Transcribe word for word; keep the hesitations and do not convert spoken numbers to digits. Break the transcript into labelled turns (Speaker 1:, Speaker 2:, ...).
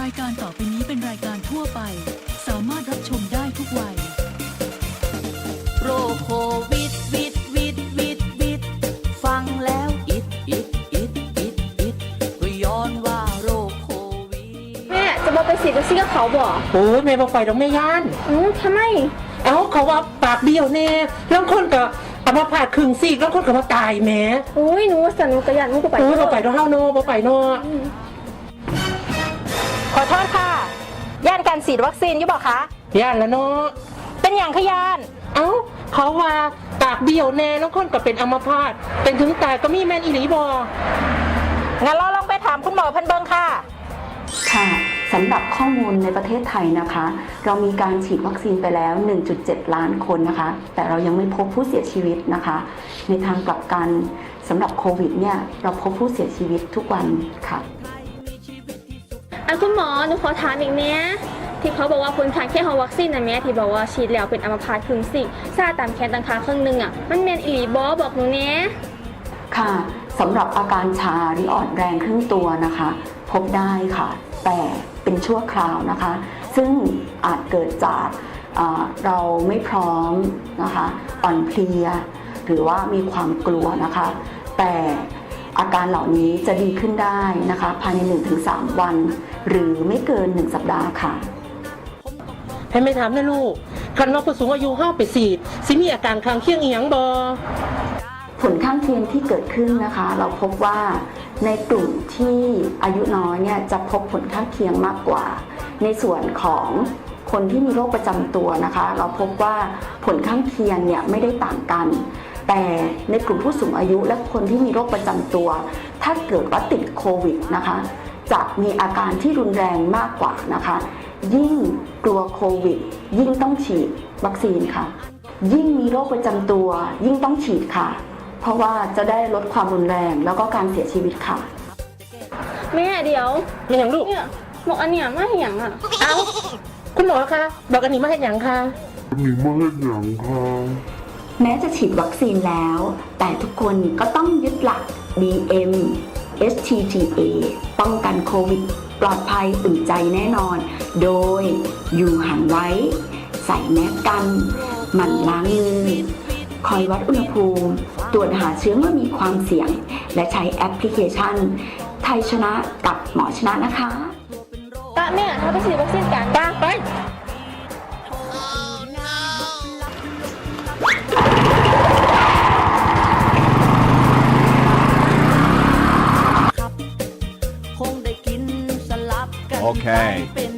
Speaker 1: รายการต่อไปนี้เป็นรายการทั่วไปสามารถรับชมได้ทุกวัย
Speaker 2: โรคโควิดวิดวิดวิดวิดฟังแล้วอิดอิดอิดอิดอิดก็ย้อนว่าโรคโควิด
Speaker 3: แม่จะบอกไปฉีดวัคซีนกับเขาบ่
Speaker 4: โอ้ยแม่บอกไปดอกแม่ย่าน
Speaker 3: อือทำไม
Speaker 4: เอ้าเขาว่าปากเบี้ยวแน่แล้วคนก็เอามาผ่าครึ่งซีกแล้วคนก็มาตายแหม่
Speaker 3: อุ้ยหนูว่าสันหนูกระยันหนูก็ไป
Speaker 4: โอ้ยบ่ไปดอกเฮาโนบ่ไปเนาะ
Speaker 5: ขอโทษค่ะ ย่านการฉีดวัคซีนอยู่บ่คะ
Speaker 4: ย่านแล้วเนาะ
Speaker 5: เป็นอย่างขยาน
Speaker 4: เอ้าเขาว่าปากเบี้ยวแน่แล้วคนก็เป็นอัมพาตเป็นถึงตายก็มีแม่นอีหลีบ่
Speaker 5: งั้นเราลองไปถามคุณหมอเพิ่นเบิ่งค่ะ
Speaker 6: ค่ะสำหรับข้อมูลในประเทศไทยนะคะ เรามีการฉีดวัคซีนไปแล้ว หนึ่งจุดเจ็ด ล้านคนนะคะ แต่เรายังไม่พบผู้เสียชีวิตนะคะ ในทางกลับกันสำหรับโควิดเนี่ยเราพบผู้เสียชีวิตทุกวันค่ะ
Speaker 3: อ่ะคุณหมอหนูขอถามอีกเนี้ยที่เขาบอกว่าผลข้างเคียงของวัคซีนนะแม่ที่บอกว่าฉีดแล้วเป็นอัมพาตครึ่งซีกซาตามแขนต่างขาครึ่งหนึงอ่ะมันแม่นอีหลีบ่บอกหนูเนี้ย
Speaker 6: ค่ะสำหรับอาการชาหรืออ่อนแรงครึ่งตัวนะคะ พบได้ค่ะ แต่เป็นชั่วคราวนะคะ ซึ่งอาจเกิดจากเอ่อเราไม่พร้อมนะคะอ่อนเพลีย หรือว่ามีความกลัวนะคะ แต่อาการเหล่านี้จะดีขึ้นได้นะคะ ภายใน หนึ่งถึงสาม วัน หรือไม่เกิน หนึ่ง สัปดาห์ค่ะ
Speaker 4: ให้แม่ถามนะลูกคันว่าผู้สูงอายุเฮาไปฉีดสิมีอาการข้างเคียงอีหยังบ่
Speaker 6: ผลข้างเคียงที่เกิดขึ้นนะคะ เราพบว่าในกลุ่มที่อายุน้อยเนี่ยจะพบผลข้างเคียงมากกว่า ในส่วนของคนที่มีโรคประจำตัวนะคะ เราพบว่าผลข้างเคียงเนี่ยไม่ได้ต่างกัน แต่ในกลุ่มผู้สูงอายุและคนที่มีโรคประจำตัว ถ้าเกิดว่าติดโควิดนะคะจะมีอาการที่รุนแรงมากกว่านะคะ ยิ่งกลัวโควิดยิ่งต้องฉีดวัคซีนค่ะ ยิ่งมีโรคประจำตัวยิ่งต้องฉีดค่ะ เพราะว่าจะได้ลดความรุนแรงแล้วก็การเสียชีวิตค่ะ
Speaker 3: แม่เดี๋ยว
Speaker 4: มีหยังลูก
Speaker 3: เนี่ยบอกอันเนี้ยมาให้หยังอ่ะ
Speaker 4: เอ้าคุณหมอคะบอกอันนี้มาเฮ็ดหยังคะ
Speaker 7: มีมาให้หยังคะ
Speaker 6: แม้จะฉีดวัคซีนแล้ว แต่ทุกคนก็ต้องยึดหลัก บี เอ็ม เอส ที ที เอ ป้องกันโควิดปลอดภัยอุ่นใจแน่นอน โดยอยู่ห่างไว้ ใส่แมสกันหมั่นล้างมือ คอยวัดอุณหภูมิ ตรวจหาเชื้อเมื่อมีความเสี่ยง และใช้แอปพลิเคชัน ไทยชนะกับหมอชนะนะคะ
Speaker 3: ตะแม่ถ้าไปฉีดวัคซีนกัน
Speaker 4: ไปไป
Speaker 2: คงได้กินสลับกัน
Speaker 8: โอเค
Speaker 2: เป็น